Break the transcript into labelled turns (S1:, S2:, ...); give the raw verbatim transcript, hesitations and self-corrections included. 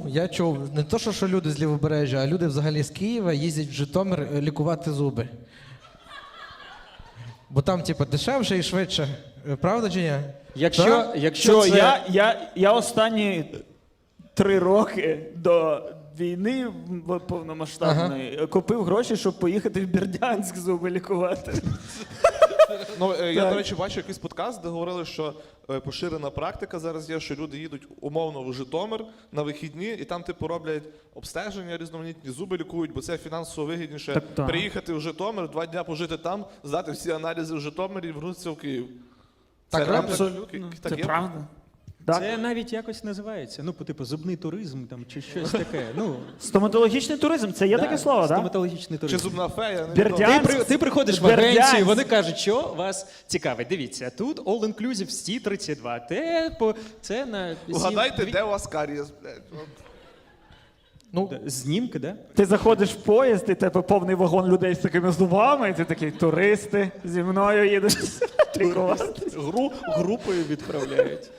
S1: я чув, не то, що, що люди з Лівобережжя, а люди взагалі з Києва їздять в Житомир е, лікувати зуби. Бо там, типу, дешевше і швидше. Е, Правда чи ні?
S2: Якщо,
S1: Так?
S2: якщо
S3: Що,
S2: це...
S3: я, я, я останні три роки до війни в- повномасштабної купив гроші, щоб поїхати в Бердянськ зуби лікувати.
S4: Ну, е, я,
S3: Так.
S4: до речі, бачу якийсь подкаст, де говорили, що е, поширена практика зараз є, що люди їдуть умовно в Житомир на вихідні, і там, типу, роблять обстеження різноманітні, зуби лікують, бо це фінансово вигідніше
S3: Так, так.
S4: приїхати в Житомир, два дня пожити там, здати всі аналізи в Житомирі і вернутися в Київ.
S1: Так,
S4: реально
S3: Абсолютно.
S4: так
S3: Це
S4: є?
S3: правда. Так.
S2: Це навіть якось називається, ну, по типу зубний туризм там, чи щось таке. Ну,
S3: Стоматологічний туризм, це є таке слово, так?
S2: стоматологічний
S4: Чи
S2: туризм.
S4: зубна фея? Не
S3: Бердянськ.
S4: відомо.
S2: Ти, при, ти приходиш в
S3: Бердянськ.
S2: агенцію, вони кажуть, що вас цікавить. Дивіться, тут all-inclusive Сі тридцять два. Те, по, це на... сім-
S4: Угадайте,
S2: дві-
S4: де у вас карієс, блядь. От.
S1: Ну,
S2: Знімки, да?
S3: Ти заходиш в поїзд, і тебе повний вагон людей з такими зубами, і ти такий, туристи, зі мною їдеш лікувати.
S2: Гру, групою відправляють.